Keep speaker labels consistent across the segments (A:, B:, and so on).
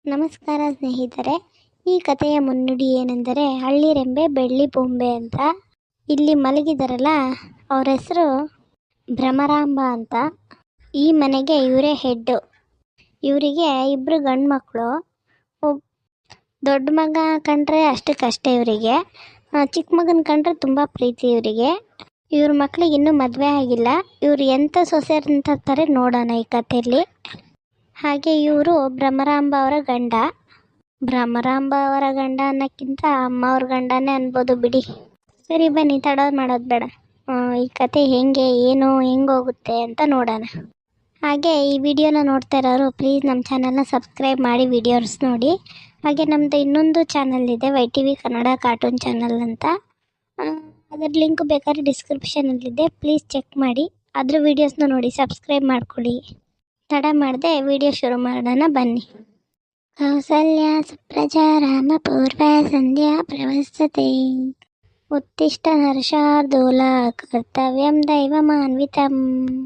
A: ನಮಸ್ಕಾರ ಸ್ನೇಹಿತರೆ. ಈ ಕಥೆಯ ಮುನ್ನುಡಿ ಏನೆಂದರೆ ಹಳ್ಳಿರೆಂಬೆ ಬೆಳ್ಳಿ ಬೊಂಬೆ ಅಂತ. ಇಲ್ಲಿ ಮಲಗಿದಾರಲ್ಲ ಅವ್ರ ಹೆಸರು ಭ್ರಮರಾಂಬ ಅಂತ. ಈ ಮನೆಗೆ ಇವರೇ ಹೆಡ್ಡು. ಇವರಿಗೆ ಇಬ್ಬರು ಗಂಡು ಮಕ್ಕಳು. ದೊಡ್ಡ ಮಗ ಕಂಡ್ರೆ ಅಷ್ಟಕ್ಕಷ್ಟೇ ಇವರಿಗೆ, ಚಿಕ್ಕ ಮಗನ ಕಂಡ್ರೆ ತುಂಬ ಪ್ರೀತಿ ಇವರಿಗೆ. ಇವ್ರ ಮಕ್ಳಿಗೆ ಇನ್ನೂ ಮದುವೆ ಆಗಿಲ್ಲ. ಇವ್ರು ಎಂಥ ಸೊಸೆ ಅಂತಾರೆ ನೋಡೋಣ ಈ ಕಥೆಯಲ್ಲಿ. ಹಾಗೆ ಇವರು ಭ್ರಮರಾಂಬ ಅವರ ಗಂಡ. ಭ್ರಮರಾಂಬ ಅವರ ಗಂಡ ಅನ್ನೋಕ್ಕಿಂತ ಅಮ್ಮ ಅವ್ರ ಗಂಡನೇ ಅನ್ಬೋದು ಬಿಡಿ. ಸರಿ ಬನ್ನಿ, ತಡೋದು ಮಾಡೋದು ಬೇಡ. ಈ ಕತೆ ಹೆಂಗೆ ಏನು ಹೆಂಗೋಗುತ್ತೆ ಅಂತ ನೋಡೋಣ. ಹಾಗೆ ಈ ವಿಡಿಯೋನ ನೋಡ್ತಾ ಇರೋರು ಪ್ಲೀಸ್ ನಮ್ಮ ಚಾನಲ್ನ ಸಬ್ಸ್ಕ್ರೈಬ್ ಮಾಡಿ ವಿಡಿಯೋಸ್ ನೋಡಿ. ಹಾಗೆ ನಮ್ಮದು ಇನ್ನೊಂದು ಚಾನಲ್ ಇದೆ, YTV ಕನ್ನಡ ಕಾರ್ಟೂನ್ ಚಾನಲ್ ಅಂತ. ಅದರ ಲಿಂಕ್ ಬೇಕಾದ್ರೆ ಡಿಸ್ಕ್ರಿಪ್ಷನಲ್ಲಿದೆ, ಪ್ಲೀಸ್ ಚೆಕ್ ಮಾಡಿ. ಅದ್ರ ವೀಡಿಯೋಸ್ನ ನೋಡಿ ಸಬ್ಸ್ಕ್ರೈಬ್ ಮಾಡ್ಕೊಳ್ಳಿ. ತಡ ಮಾಡದೆ ವಿಡಿಯೋ ಶುರು ಮಾಡೋಣ ಬನ್ನಿ. ಕೌಸಲ್ಯ ಸುಪ್ರಜಾ ರಾಮ ಪೂರ್ವ ಸಂಧ್ಯಾ ಪ್ರವಸತೆ ಉತ್ತಿಷ್ಟ ನರಶಾರ್ದೂಲ ಕರ್ತವ್ಯಂ ದೈವಮಾನ್ವಿತಂ.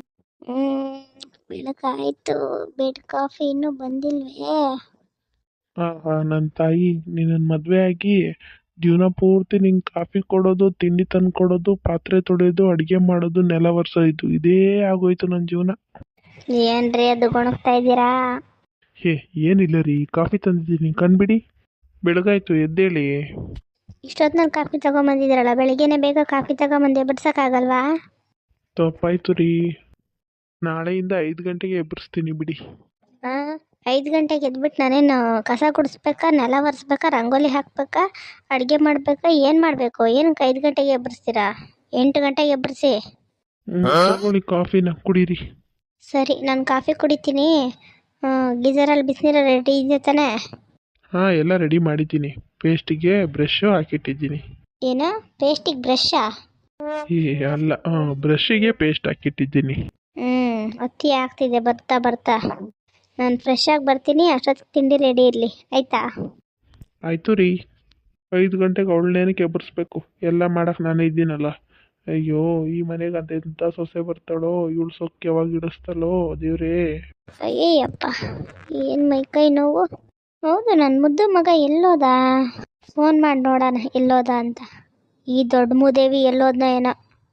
A: ಬೆಳಕಾಯ್ತು, ಬೆಡ್ ಕಾಫಿ ಇನ್ನೂ ಬಂದಿಲ್ವೇ?
B: ನನ್ನ ತಾಯಿ, ನಿನ್ನ ಮದುವೆ ಆಗಿ ಜೀವನ ಪೂರ್ತಿ ನಿಂಗೆ ಕಾಫಿ ಕೊಡೋದು, ತಿಂಡಿ ತಂದು ಕೊಡೋದು, ಪಾತ್ರೆ ತೊಳೆಯೋದು, ಅಡುಗೆ ಮಾಡೋದು, ನೆಲ ಒರೆಸೋದು, ಇದೇ ಆಗೋಯ್ತು ನನ್ನ ಜೀವನ.
A: ಏನ್ರಿ ಅದು ಗೊಣಗ್ತಾ ಇದ್ದೀರಾ?
B: ಏನಿಲ್ಲ ರೀ, ಕಾಫಿ ತಂದಿದ್ದೀನಿ, ಕಣ್ಬಿಡಿ. ಬೆಳಗಾಯ್ತು, ಎದ್ದೇಳಿ.
A: ಇಷ್ಟೊತ್ತಿನಲ್ಲಿ ಕಾಫಿ ತಗೊಂಬಂದಿದ್ದೀರಲ್ಲ, ಬೆಳಿಗ್ಗೆನೆ ಬೇಗ ಕಾಫಿ ತಗೊಂಬಂದು ಎಬ್ಬರ್ಸಕ್ಕಾಗಲ್ವಾ?
B: ತಪ್ಪಾಯ್ತು ರೀ, ನಾಳೆಯಿಂದ 5 ಗಂಟೆಗೆ ಎಬ್ಬರಿಸ್ತೀನಿ ಬಿಡಿ.
A: 5 ಗಂಟೆಗೆ ಎದ್ಬಿಟ್ಟು ನಾನೇನು ಕಸ ಗುಡಿಸ್ಬೇಕಾ, ನೆಲ ಒರೆಸ್ಬೇಕಾ, ರಂಗೋಲಿ ಹಾಕ್ಬೇಕಾ, ಅಡುಗೆ ಮಾಡಬೇಕಾ, ಏನು ಮಾಡಬೇಕು? ಏನಕ್ಕೆ 5 ಗಂಟೆಗೆ ಎಬ್ಬರಿಸ್ತೀರಾ? 8 ಗಂಟೆಗೆ ಎಬ್ಬರಿಸಿ.
B: ತಗೊಳ್ಳಿ, ಕಾಫಿನ ಕುಡೀರಿ.
A: ಸರಿ, ನಾನು ಕಾಫಿ ಕುಡಿತೀನಿ. ಗೀಜರಲ್ಲಿ ಬಿಸಿನೀರು ರೆಡಿ ಇದೆ ತಾನೇ?
B: ಎಲ್ಲ ರೆಡಿ ಮಾಡಿದ್ದೀನಿ. ಪೇಸ್ಟಿಗೆ ಬ್ರಷ್ ಹಾಕಿಟ್ಟಿದ್ದೀನಿ.
A: ಏನು ಪೇಸ್ಟಿಗೆ ಬ್ರಷಾ?
B: ಅಲ್ಲ, ಬ್ರಷ್ಷಿಗೆ ಪೇಸ್ಟ್ ಹಾಕಿಟ್ಟಿದ್ದೀನಿ.
A: ಅತಿ ಆಗ್ತಿದೆ ಬರ್ತಾ ಬರ್ತಾ. ನಾನು ಫ್ರೆಶ್ ಆಗಿ ಬರ್ತೀನಿ, ಅಷ್ಟೊತ್ತಿಗೆ ತಿಂಡಿ ರೆಡಿ ಇರಲಿ, ಆಯಿತಾ?
B: ಆಯಿತು ರೀ. 5 ಗಂಟೆಗೆ ಅವಳನ್ನೇನಕ್ಕೆ ಎಬ್ಬರಿಸ್ಬೇಕು? ಎಲ್ಲ ಮಾಡಕ್ಕೆ ನಾನೇ ಇದ್ದೀನಲ್ಲ. ಅಯ್ಯೋ, ಈ ಮನೆಗೆ ಅದೆಂಥ ಸೊಸೆ ಬರ್ತಾಳೋ, ಇವಳು ಸೊಕ್ಕೆ ಯಾವಾಗ ಇಡಿಸ್ತಾಳೋ ದೇವ್ರೇ.
A: ಅಯ್ಯಪ್ಪ, ಏನು ಮೈಕೈ ನೋವು. ಹೌದು, ನನ್ನ ಮುದ್ದು ಮಗ ಎಲ್ಲೋದ? ಫೋನ್ ಮಾಡಿ ನೋಡೋಣ ಎಲ್ಲೋದ ಅಂತ. ಈ ದೊಡ್ಡ ಮೂದೇವಿ ಎಲ್ಲೋದ್ನ ಏನೋ.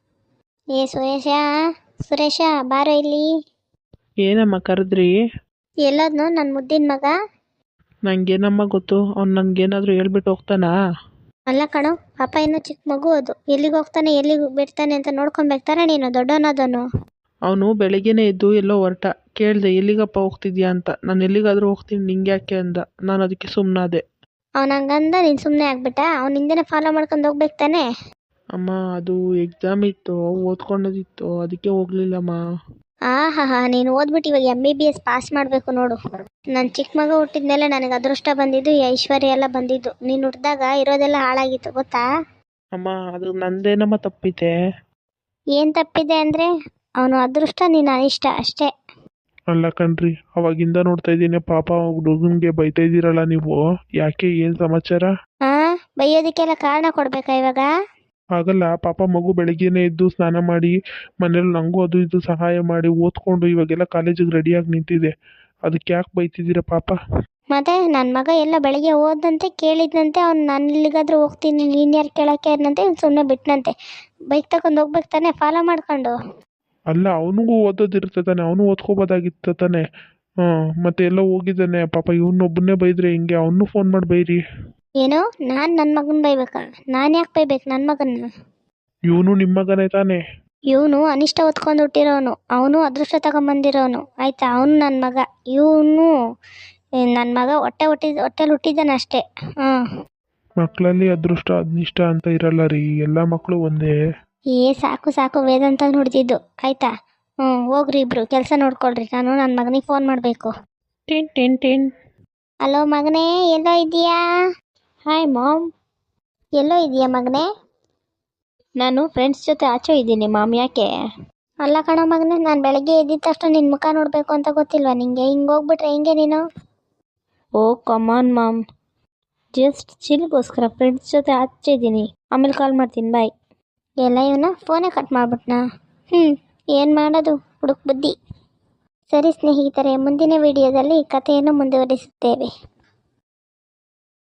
A: ಸುರೇಶ ಬಾರೋ ಇಲ್ಲಿ.
B: ಏನಮ್ಮ ಕರೆದ್ರಿ?
A: ಎಲ್ಲೋದ್ನೋ ನನ್ನ ಮುದ್ದಿನ ಮಗ?
B: ನಂಗೇನಮ್ಮ ಗೊತ್ತು, ಅವ್ನು ನನಗೇನಾದರೂ ಹೇಳ್ಬಿಟ್ಟು ಹೋಗ್ತಾನಾ?
A: ಅಲ್ಲ ಕಣೋ, ಪಾಪ ಇನ್ನೂ ಚಿಕ್ಕ ಮಗು ಅದು. ಎಲ್ಲಿಗೆ ಹೋಗ್ತಾನೆ ಎಲ್ಲಿಗೆ ಬಿಡ್ತಾನೆ ಅಂತ ನೋಡ್ಕೊಬೇಕಾರೆ ನೀನು ದೊಡ್ಡವನದನು.
B: ಅವನು ಬೆಳಿಗ್ಗೆನೇ ಎದ್ದು ಎಲ್ಲೋ ಹೊರಟ. ಕೇಳಿದೆ, ಎಲ್ಲಿಗಪ್ಪ ಹೋಗ್ತಿದ್ಯಾ ಅಂತ. ನಾನು ಎಲ್ಲಿಗಾದರೂ ಹೋಗ್ತೀನಿ, ನಿಂಗೆ ಯಾಕೆ ಅಂದ. ನಾನು ಅದಕ್ಕೆ ಸುಮ್ಮನಾದೆ.
A: ಅವ್ನು ಹಂಗಂದ ನೀನು ಸುಮ್ಮನೆ ಆಗ್ಬಿಟ್ಟ? ಅವ್ನು ಹಿಂದೆನೇ ಫಾಲೋ ಮಾಡ್ಕೊಂಡು ಹೋಗ್ಬೇಕು ತಾನೆ?
B: ಅಮ್ಮ, ಅದು ಎಕ್ಸಾಮ್ ಇತ್ತು, ಓದ್ಕೊಂಡದಿತ್ತು, ಅದಕ್ಕೆ ಹೋಗ್ಲಿಲ್ಲಮ್ಮ.
A: ನೀನು ಓದ್ಬಿಟ್ಟು ಇವಾಗ MBBS ಪಾಸ್ ಮಾಡಬೇಕು ನೋಡು. ನನ್ನ ಚಿಕ್ಕ ಮಗ ಹುಟ್ಟಿದ್ಮೇಲೆ ನನಗೆ ಅದೃಷ್ಟ ಬಂದಿದ್ದು, ಈ ಐಶ್ವರ್ಯ ಎಲ್ಲ ಬಂದಿದ್ದು. ನೀನು ಹುಟ್ಟಿದಾಗ ಇರೋದೆಲ್ಲ ಹಾಳಾಗಿತ್ತು ಗೊತ್ತಾ?
B: ಅಮ್ಮ, ಅದು ನಂದೇನಮ್ಮ ತಪ್ಪಿದೆ?
A: ಏನು ತಪ್ಪಿದೆ ಅಂದರೆ ಅವನು ಅದೃಷ್ಟ, ನೀನು ಅನಿಷ್ಟ ಅಷ್ಟೇ.
B: ಅಲ್ಲ ಕಣ್ರಿ, ಅವಾಗಿಂದ ನೋಡ್ತಾ ಇದ್ದೀನಿ, ಪಾಪ ಹುಡುಗನಿಗೆ ಬೈತಾ ಇದ್ದೀರಲ್ಲ ನೀವು. ಯಾಕೆ, ಏನು ಸಮಾಚಾರ?
A: ಬೈಯೋದಕ್ಕೆಲ್ಲ ಕಾರಣ ಕೊಡ್ಬೇಕಾ ಇವಾಗ?
B: ಆಗಲ್ಲ, ಪಾಪ ಮಗು ಬೆಳಗ್ಗೆನೇ ಎದ್ದು ಸ್ನಾನ ಮಾಡಿ ಮನೇಲಿ ನಂಗೂ ಅದು ಇದು ಸಹಾಯ ಮಾಡಿ ಓದ್ಕೊಂಡು ಇವಾಗೆಲ್ಲ ಕಾಲೇಜಿಗೆ ರೆಡಿಯಾಗಿ ನಿಂತಿದೆ. ಅದಕ್ಕೆ ಯಾಕೆ ಬೈತಿದ್ದೀರಾ ಪಾಪ?
A: ಮತ್ತೆ ನನ್ನ ಮಗ ಎಲ್ಲ ಬೆಳಗ್ಗೆ ಓದಂತೆ ಕೇಳಿದ್ನಂತೆ. ಅವ್ನು ನಾನು ಇಲ್ಲಿಗಾದ್ರೂ ಹೋಗ್ತೀನಿ, ನೀನು ಯಾರು ಕೇಳೋಕ್ಕೆ ಅನ್ನಂತೆ. ಸುಮ್ಮನೆ ಬಿಟ್ಟನಂತೆ. ಬೈಕ್ ತಗೊಂಡು ಹೋಗ್ಬೇಕು ತಾನೆ ಫಾಲೋ ಮಾಡ್ಕೊಂಡು.
B: ಅಲ್ಲ, ಅವನಿಗೂ ಓದೋದಿರುತ್ತೆ ತಾನೆ, ಅವನು ಓದ್ಕೋಬೋದಾಗಿತ್ತು ತಾನೆ. ಮತ್ತೆ ಎಲ್ಲ ಹೋಗಿದ್ದಾನೆ ಪಾಪ. ಇವನೊಬ್ಬನ್ನೇ ಬೈದ್ರೆ ಹಿಂಗೆ? ಅವನು ಫೋನ್ ಮಾಡಿ ಬೈರಿ.
A: ಏನು, ನಾನು ನನ್ನ ಮಗನ ಬೈಬೇಕಾ? ನಾನು ಯಾಕೆ ಬೈಬೇಕು ನನ್ನ ಮಗನ್ನ?
B: ಇವನು ನಿಮ್ಮ ಮಗನೇ ತಾನೆ?
A: ಇವನು ಅನಿಷ್ಟ ಹೊತ್ಕೊಂಡು ಹುಟ್ಟಿರೋನು, ಅವನು ಅದೃಷ್ಟ ತಗೊಂಬಂದಿರೋನು, ಆಯ್ತಾ? ಅವನು ನನ್ನ ಮಗ, ಇವನು ನನ್ನ ಮಗ ಹೊಟ್ಟೆಲಿ ಹುಟ್ಟಿದ್ದಾನೆ ಅಷ್ಟೇ.
B: ಮಕ್ಕಳಲ್ಲಿ ಅದೃಷ್ಟ ಅನಿಷ್ಟ ಅಂತ ಇರಲ್ಲ ರೀ, ಎಲ್ಲ ಮಕ್ಕಳು ಒಂದೇ.
A: ಸಾಕು ವೇದಾಂತ ನೋಡ್ತಿದ್ದು, ಆಯ್ತಾ? ಹೋಗ್ರಿ ಇಬ್ರು ಕೆಲಸ ನೋಡ್ಕೊಳ್ರಿ. ನಾನು ನನ್ನ ಮಗನಿಗೆ ಫೋನ್ ಮಾಡಬೇಕು. ಹಲೋ ಮಗನೇ, ಎಲ್ಲೋ ಇದೆಯಾ? Hi ma'am. ಎಲ್ಲೋ ಇದೆಯಾ ಮಗನೇ? ನಾನು ಫ್ರೆಂಡ್ಸ್ ಜೊತೆ ಆಚೆ ಇದ್ದೀನಿ ಮಾಮ್. ಯಾಕೆ? ಅಲ್ಲ ಕಣೋ ಮಗನೇ, ನಾನು ಬೆಳಗ್ಗೆ ಎದ್ದಿದ ತಕ್ಷಣ ನಿನ್ನ ಮುಖ ನೋಡಬೇಕು ಅಂತ ಗೊತ್ತಿಲ್ವಾ ನಿಂಗೆ? ಹಿಂಗೆ ಹೋಗ್ಬಿಟ್ರೆ ಹೆಂಗೆ ನೀನು? ಓ ಕಮಾನ್ ಮಾಮ್, ಜಸ್ಟ್ ಚಿಲ್ಗೋಸ್ಕರ ಫ್ರೆಂಡ್ಸ್ ಜೊತೆ ಆಚೆ ಇದ್ದೀನಿ. ಆಮೇಲೆ ಕಾಲ್ ಮಾಡ್ತೀನಿ, ಬಾಯ್. ಎಲ್ಲ ಇವನ ಫೋನೇ ಕಟ್ ಮಾಡ್ಬಿಟ್ನಾ? ಏನು ಮಾಡೋದು, ಹುಡುಕ್ ಬುದ್ಧಿ. ಸರಿ ಸ್ನೇಹಿತರೆ, ಮುಂದಿನ ವಿಡಿಯೋದಲ್ಲಿ ಕಥೆಯನ್ನು ಮುಂದುವರಿಸುತ್ತೇವೆ.